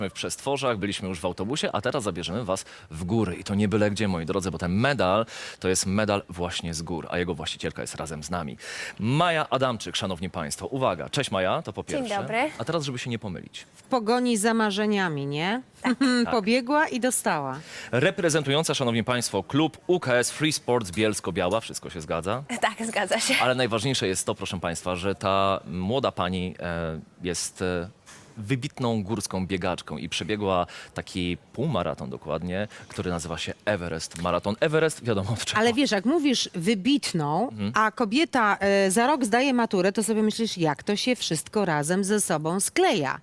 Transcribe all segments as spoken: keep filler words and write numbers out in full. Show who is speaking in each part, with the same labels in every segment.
Speaker 1: w Przestworzach, byliśmy już w autobusie, a teraz zabierzemy was w góry. I to nie byle gdzie, moi drodzy, bo ten medal to jest medal właśnie z gór, a jego właścicielka jest razem z nami. Maja Adamczyk, szanowni państwo. Uwaga, cześć Maja, to po pierwsze.
Speaker 2: Dzień dobry.
Speaker 1: A teraz, żeby się nie pomylić.
Speaker 3: W pogoni za marzeniami, nie? Tak. Pobiegła i dostała.
Speaker 1: Reprezentująca, szanowni państwo, klub U K S Free Sports Bielsko-Biała, wszystko się zgadza.
Speaker 2: Tak, zgadza się.
Speaker 1: Ale najważniejsze jest to, proszę państwa, że ta młoda pani e, jest e, wybitną górską biegaczką i przebiegła taki półmaraton dokładnie, który nazywa się Everest Maraton. Everest, wiadomo od czego.
Speaker 3: Ale wiesz, jak mówisz wybitną, a kobieta e, za rok zdaje maturę, to sobie myślisz, jak to się wszystko razem ze sobą skleja.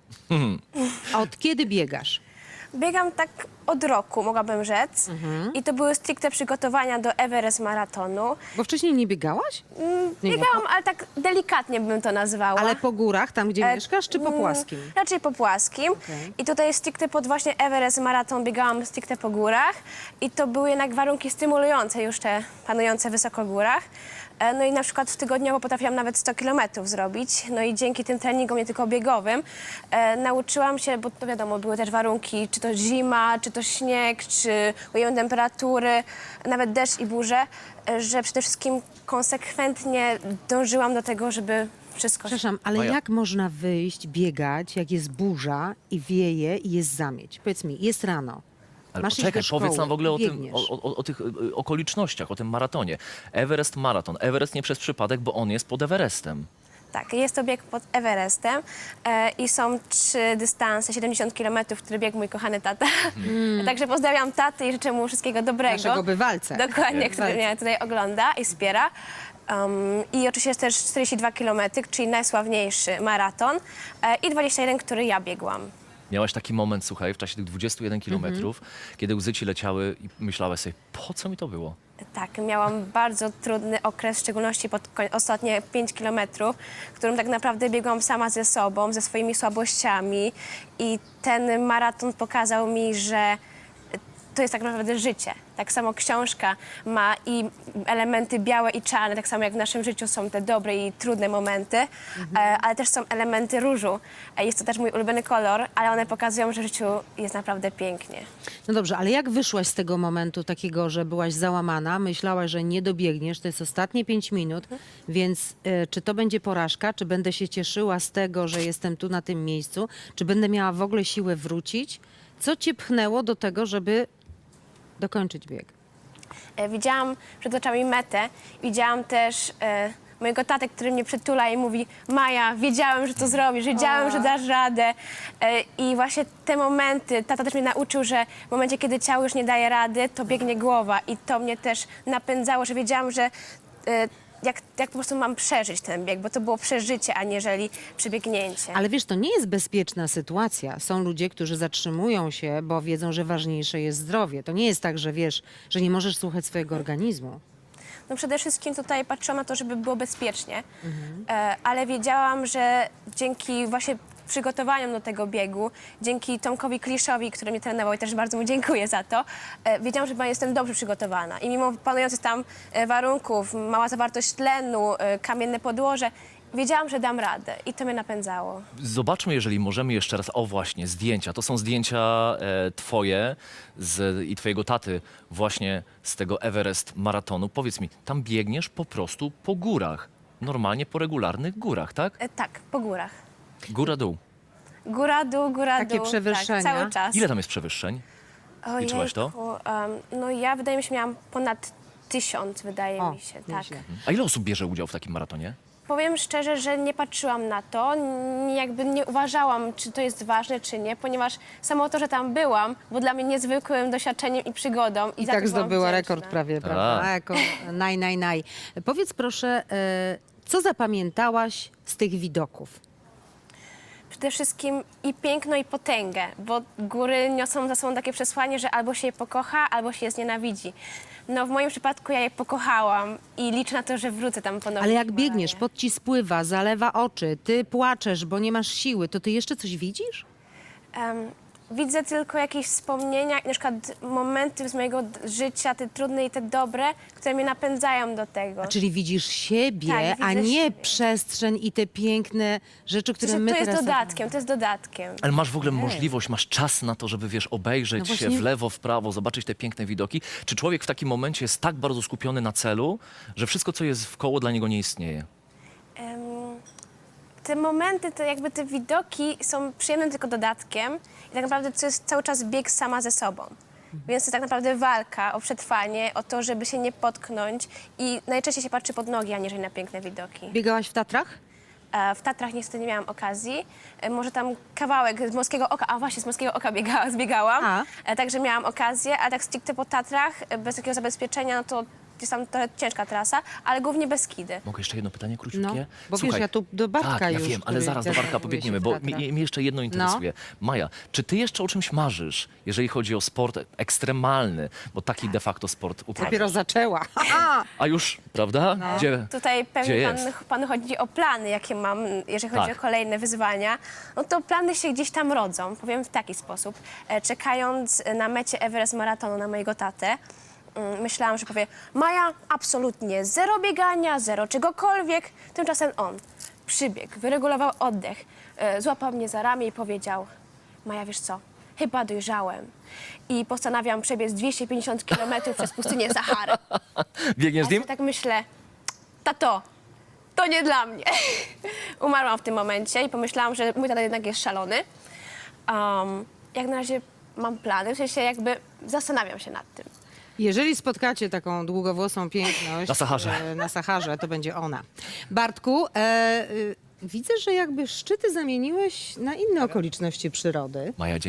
Speaker 3: A od kiedy biegasz?
Speaker 2: Biegam tak od roku, mogłabym rzec. I to były stricte przygotowania do Everest Maratonu.
Speaker 3: Bo wcześniej nie biegałaś?
Speaker 2: Mm,
Speaker 3: Nie,
Speaker 2: Biegałam, ale tak delikatnie bym to nazwała.
Speaker 3: Ale po górach, tam gdzie
Speaker 2: E,
Speaker 3: mieszkasz, czy po
Speaker 2: mm,
Speaker 3: płaskim?
Speaker 2: Raczej po płaskim.
Speaker 3: Okej.
Speaker 2: I tutaj stricte pod właśnie Everest Maraton biegałam stricte po górach. I to były jednak warunki stymulujące już te panujące wysoko w górach. E, No i na przykład w tygodniowo potrafiłam nawet sto kilometrów zrobić. No i dzięki tym treningom, nie tylko biegowym, e, nauczyłam się, bo to wiadomo, były też warunki, czy to zima, czy to śnieg, czy ujemne temperatury, nawet deszcz i burze, e, że przede wszystkim konsekwentnie dążyłam do tego, żeby wszystko...
Speaker 3: Przepraszam, ale
Speaker 1: Maja.
Speaker 3: jak można wyjść, biegać, jak jest burza i wieje i jest zamieć? Powiedz mi, jest rano.
Speaker 1: Ale
Speaker 3: Masz iść
Speaker 1: poczekaj,
Speaker 3: do szkoły,
Speaker 1: powiedz nam w ogóle o, tym,
Speaker 3: biegniesz.
Speaker 1: o, o, o tych y, okolicznościach, o tym maratonie. Everest Maraton. Everest nie przez przypadek, bo on jest pod Everestem.
Speaker 2: Tak, jest to bieg pod Everestem e, i są trzy dystanse, siedemdziesiąt kilometrów, który biegł mój kochany tata. Także pozdrawiam tatę i życzę mu wszystkiego dobrego.
Speaker 3: Naszego bywalcę.
Speaker 2: Dokładnie, który
Speaker 3: Bywalcę.
Speaker 2: mnie tutaj ogląda i wspiera. Um, I oczywiście jest też czterdzieści dwa kilometry, czyli najsławniejszy maraton e, i dwadzieścia jeden, który ja biegłam.
Speaker 1: Miałaś taki moment, słuchaj, w czasie tych dwudziestu jeden kilometrów, kiedy łzy ci leciały i myślałaś sobie, po co mi to było?
Speaker 2: Tak, miałam bardzo trudny okres, w szczególności pod koń- ostatnie pięć kilometrów, w którym tak naprawdę biegłam sama ze sobą, ze swoimi słabościami i ten maraton pokazał mi, że to jest tak naprawdę życie. Tak samo książka ma i elementy białe i czarne, tak samo jak w naszym życiu są te dobre i trudne momenty, e, ale też są elementy różu. E, Jest to też mój ulubiony kolor, ale one pokazują, że w życiu jest naprawdę pięknie.
Speaker 3: No dobrze, ale jak wyszłaś z tego momentu takiego, że byłaś załamana, myślałaś, że nie dobiegniesz, to jest ostatnie pięć minut, więc e, czy to będzie porażka, czy będę się cieszyła z tego, że jestem tu na tym miejscu, czy będę miała w ogóle siłę wrócić? Co cię pchnęło do tego, żeby dokończyć bieg?
Speaker 2: E, Widziałam przed oczami metę, widziałam też e, mojego tatę, który mnie przytula i mówi: Maja, wiedziałem, że to zrobisz, wiedziałem, że dasz radę. E, I właśnie te momenty, tata też mnie nauczył, że w momencie, kiedy ciało już nie daje rady, to biegnie głowa i to mnie też napędzało, że wiedziałam, że e, jak, jak po prostu mam przeżyć ten bieg, bo to było przeżycie, aniżeli przebiegnięcie.
Speaker 3: Ale wiesz, to nie jest bezpieczna sytuacja. Są ludzie, którzy zatrzymują się, bo wiedzą, że ważniejsze jest zdrowie. To nie jest tak, że wiesz, że nie możesz słuchać swojego organizmu.
Speaker 2: No przede wszystkim tutaj patrzyłam na to, żeby było bezpiecznie, e, ale wiedziałam, że dzięki właśnie przygotowaniom do tego biegu, dzięki Tomkowi Kliszowi, który mnie trenował i też bardzo mu dziękuję za to, e, wiedziałam, że jestem dobrze przygotowana. I mimo panujących tam e, warunków, mała zawartość tlenu, e, kamienne podłoże, wiedziałam, że dam radę i to mnie napędzało.
Speaker 1: Zobaczmy, jeżeli możemy jeszcze raz, o właśnie, zdjęcia. To są zdjęcia e, twoje z, i twojego taty właśnie z tego Everest Maratonu. Powiedz mi, tam biegniesz po prostu po górach. Normalnie po regularnych górach, tak?
Speaker 2: E, tak, po górach.
Speaker 1: Góra, dół.
Speaker 2: Góra, dół, góra,
Speaker 3: Takie
Speaker 2: dół.
Speaker 3: przewyższenia?
Speaker 2: Tak, cały czas.
Speaker 1: Ile tam jest przewyższeń? Liczyłaś to?
Speaker 2: Ojejku, em, no ja wydaje mi się, miałam ponad tysiąc, wydaje
Speaker 3: O,
Speaker 2: mi się, tak.
Speaker 3: nieźle.
Speaker 1: A ile osób bierze udział w takim maratonie?
Speaker 2: Powiem szczerze, że nie patrzyłam na to, n- jakby nie uważałam, czy to jest ważne, czy nie, ponieważ samo to, że tam byłam, było dla mnie niezwykłym doświadczeniem i przygodą. I,
Speaker 3: I
Speaker 2: za to
Speaker 3: tak
Speaker 2: byłam
Speaker 3: zdobyła
Speaker 2: wdzięczna.
Speaker 3: rekord prawie, prawda?
Speaker 1: Tak.
Speaker 3: Jako naj, naj, naj. Powiedz proszę, e, co zapamiętałaś z tych widoków?
Speaker 2: Przede wszystkim i piękno, i potęgę, bo góry niosą za sobą takie przesłanie, że albo się je pokocha, albo się je znienawidzi. No w moim przypadku ja je pokochałam i liczę na to, że wrócę tam ponownie.
Speaker 3: Ale jak
Speaker 2: w Himalaje.
Speaker 3: biegniesz, pot ci spływa, zalewa oczy, ty płaczesz, bo nie masz siły, to ty jeszcze coś widzisz?
Speaker 2: Em, widzę tylko jakieś wspomnienia i na przykład momenty z mojego d- życia, te trudne i te dobre, które mnie napędzają do tego.
Speaker 3: Czyli widzisz siebie,
Speaker 2: Tak,
Speaker 3: a
Speaker 2: widzę
Speaker 3: nie
Speaker 2: siebie.
Speaker 3: przestrzeń i te piękne rzeczy,
Speaker 2: To,
Speaker 3: które
Speaker 2: jest-
Speaker 3: my
Speaker 2: to jest
Speaker 3: teraz...
Speaker 2: dodatkiem, to jest dodatkiem.
Speaker 1: Ale masz w ogóle możliwość, masz czas na to, żeby, wiesz, obejrzeć
Speaker 3: No
Speaker 1: się
Speaker 3: właśnie-
Speaker 1: w lewo, w prawo, zobaczyć te piękne widoki? Czy człowiek w takim momencie jest tak bardzo skupiony na celu, że wszystko, co jest wkoło, dla niego nie istnieje?
Speaker 2: Em, te momenty, te jakby te widoki są przyjemnym tylko dodatkiem i tak naprawdę to jest cały czas bieg sama ze sobą. Więc to tak naprawdę walka o przetrwanie, o to, żeby się nie potknąć i najczęściej się patrzy pod nogi, aniżeli na piękne widoki.
Speaker 3: Biegałaś w Tatrach?
Speaker 2: E, W Tatrach niestety nie miałam okazji. E, Może tam kawałek z Morskiego Oka, a właśnie z Morskiego Oka biega, zbiegałam.
Speaker 3: A.
Speaker 2: E, Także miałam okazję, a tak stricte po Tatrach, e, bez takiego zabezpieczenia, no to jest tam trochę ciężka trasa, ale głównie Beskidy.
Speaker 1: Mogę jeszcze jedno pytanie króciutkie?
Speaker 3: No, bo wiesz, ja tu do Bartka
Speaker 1: tak, ja
Speaker 3: już,
Speaker 1: wiem, ale
Speaker 3: który
Speaker 1: zaraz do
Speaker 3: też
Speaker 1: Bartka
Speaker 3: zajmuje
Speaker 1: pobiegniemy,
Speaker 3: się
Speaker 1: bo
Speaker 3: w
Speaker 1: mi,
Speaker 3: Tatrach.
Speaker 1: mnie jeszcze jedno interesuje. Maja, czy ty jeszcze o czymś marzysz, jeżeli chodzi o sport ekstremalny, bo taki de facto sport uprawiasz?
Speaker 3: Dopiero zaczęła. Aha!
Speaker 1: A już, prawda? Gdzie?
Speaker 2: Tutaj
Speaker 1: Gdzie
Speaker 2: pewnie
Speaker 1: jest?
Speaker 2: pan, panu chodzi o plany, jakie mam, jeżeli chodzi
Speaker 1: Tak.
Speaker 2: o kolejne wyzwania. No to plany się gdzieś tam rodzą, powiem w taki sposób. E, Czekając na mecie Everest Maratonu na mojego tatę, mm, myślałam, że powie, Maja, absolutnie zero biegania, zero czegokolwiek. Tymczasem on przybiegł, wyregulował oddech, e, złapał mnie za ramię i powiedział, Maja, wiesz co, chyba dojrzałem i postanawiam przebiec dwieście pięćdziesiąt kilometrów przez pustynię Sahary.
Speaker 1: Biegniesz z
Speaker 2: Ja
Speaker 1: nim?
Speaker 2: sobie tak myślę, tato, to nie dla mnie. Umarłam w tym momencie i pomyślałam, że mój tata jednak jest szalony. Um, jak na razie mam plany, w sensie jakby zastanawiam się nad tym.
Speaker 3: Jeżeli spotkacie taką długowłosą piękność
Speaker 1: Na Saharze.
Speaker 3: e, na Saharze, to będzie ona. Bartku, e, y, widzę, że jakby szczyty zamieniłeś na inne okoliczności przyrody.
Speaker 1: Maja,